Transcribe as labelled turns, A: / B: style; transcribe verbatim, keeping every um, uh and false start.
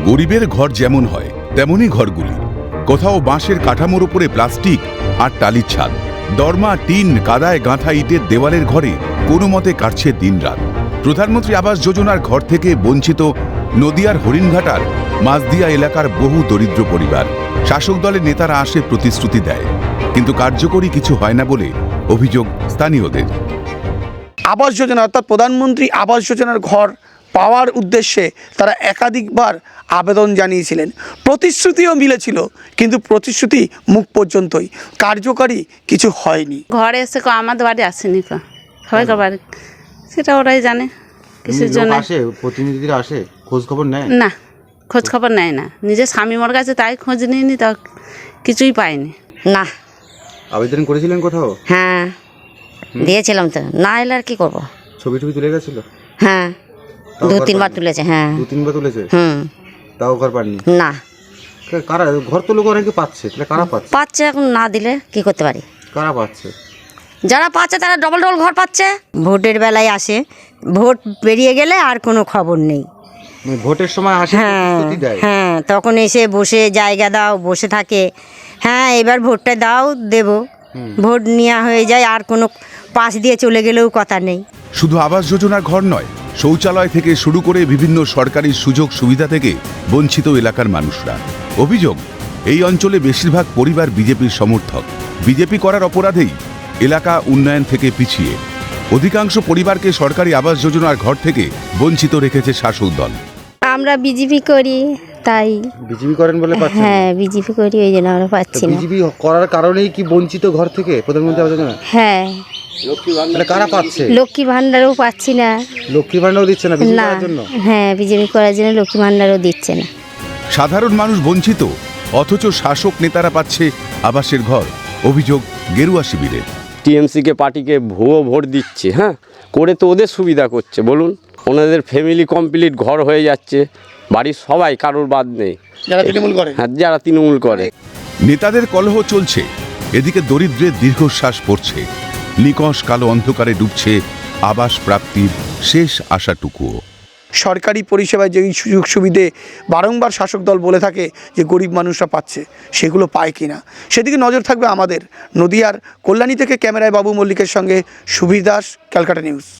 A: গরিবের ঘর যেমন হয় তেমনই ঘরগুলি। কোথাও বাঁশের কাঠামোর উপরে প্লাস্টিক আর টালির ছাদ, দরমা, টিন, কাদায় গাঁথা ইটের দেওয়ালের ঘরে কোনো মতে কাটছে দিনরাত। প্রধানমন্ত্রী আবাস যোজনার ঘর থেকে বঞ্চিত নদিয়ার হরিণঘাটার মাঝদিয়া এলাকার বহু দরিদ্র পরিবার। শাসক দলের নেতারা আসে, প্রতিশ্রুতি দেয়, কিন্তু কার্যকরী কিছু হয় না বলে অভিযোগ স্থানীয়দের।
B: আবাস যোজনা অর্থাৎ প্রধানমন্ত্রী আবাস যোজনার ঘর পাওয়ার উদ্দেশ্যে তারা একাধিকবার আবেদন জানিয়েছিলেন, প্রতিশ্রুতিও মিলেছিল, কিন্তু প্রতিশ্রুতি মুখ পর্যন্তই, কার্যকারী কিছু হয়নি।
C: ঘরে এসে আমাদের বাড়ি আসেনি, সবাইকার বাড়ি, সেটা ওরাই জানে কিছুর জন্য।
D: আসে, প্রতিনিধিরা আসে, খোঁজ খবর নেয়
C: না, খোঁজ খবর নেয় না। নিজের স্বামী মোর কাছে তাই খোঁজ নিইনি, তা কিছুই পাইনি।
E: না।
D: আবেদন করেছিলেন কোথাও?
E: হ্যাঁ, দিয়েছিলাম তো, না এলে আর কি করবো।
D: ছবি টবি তুলে গেছিল?
E: হ্যাঁ, দু তিনবার তুলেছে। হ্যাঁ,
D: দু তিনবার তুলেছে।
E: হুম,
D: তাও ঘর পাননি?
E: না।
D: কারা ঘর তো লোক অনেকে পাচ্ছে, তাহলে কারা পাচ্ছে?
E: পাচ্ছে, এখন না দিলে কি করতে পারি।
D: কারা পাচ্ছে?
E: যারা পাচ্ছে তারা ডবল ডবল ঘর পাচ্ছে। ভোটের বেলায় আসে, ভোট বেরিয়ে গেলে আর কোনো খবর নেই।
D: ভোটের সময় আসে,
E: হ্যাঁ
D: প্রতিশ্রুতি দেয়।
E: হ্যাঁ, তখন এসে বসে জায়গা দাও, বসে থাকে। হ্যাঁ, এবার ভোটটা দাও, দেব, ভোট নেওয়া হয়ে যায়, আর কোনো পাশ দিয়ে চলে গেলেও কথা নেই।
A: শুধু আবাস যোজনার ঘর নয়, শৌচালয় থেকে শুরু করে বিভিন্ন সরকারি সুযোগ সুবিধা থেকে বঞ্চিত এলাকার মানুষরা। অভিযোগ, এই অঞ্চলে বেশিরভাগ পরিবার বিজেপির সমর্থক। বিজেপি করার অপরাধেই এলাকা উন্নয়ন থেকে পিছিয়ে। অধিকাংশ পরিবারকে সরকারি আবাস যোজনার ঘর থেকে বঞ্চিত রেখেছে শাসক দল।
F: আমরা বিজেপি করি, তাই।
D: বিজেপি করেন বলে পাচ্ছেন?
F: হ্যাঁ, বিজেপি করি, ওই জন্য আমরা পাচ্ছি না।
D: বিজেপি করার কারণেই কি বঞ্চিত ঘর থেকে প্রধানমন্ত্রী আবাস যোজনা?
F: হ্যাঁ,
D: তাহলে কারা পাচ্ছে?
F: লক্ষ্মী ভান্ডারও পাচ্ছি না।
D: লক্ষ্মী ভান্ডারও দিচ্ছে না বিজেপি
F: না,
D: করার জন্য?
F: হ্যাঁ, বিজেপি করার জন্য লক্ষ্মী ভান্ডারও দিচ্ছে না।
A: সাধারণ মানুষ বঞ্চিত, অথচ শাসক নেতারা পাচ্ছে আবাসের ঘর। অভিযোগ গেরুয়া শিবিরের।
G: টিএমসিকে পার্টিকে ভুয়ো ভোট দিচ্ছে, হ্যাঁ, করে তো ওদের সুবিধা করছে। বলুন, ওনাদের ফ্যামিলি কমপ্লিট ঘর হয়ে যাচ্ছে, বাড়ির সবাই, কারোর বাদ নেই,
B: যারা তৃণমূল করে।
G: হ্যাঁ, যারা তৃণমূল করে।
A: নেতাদের কলহ চলছে, এদিকে দরিদ্রের দীর্ঘশ্বাস পড়ছে। নিকষ কালো অন্ধকারে ডুবছে আবাস প্রাপ্তির শেষ আশাটুকুও।
B: সরকারি পরিষেবায় যে সুযোগ সুবিধে বারংবার শাসক দল বলে থাকে যে গরিব মানুষরা পাচ্ছে, সেগুলো পায় কিনা সেদিকে নজর থাকবে আমাদের। নদিয়ার কল্যাণী থেকে ক্যামেরায় বাবু মল্লিকের সঙ্গে সুবীর দাস, ক্যালকাটা নিউজ।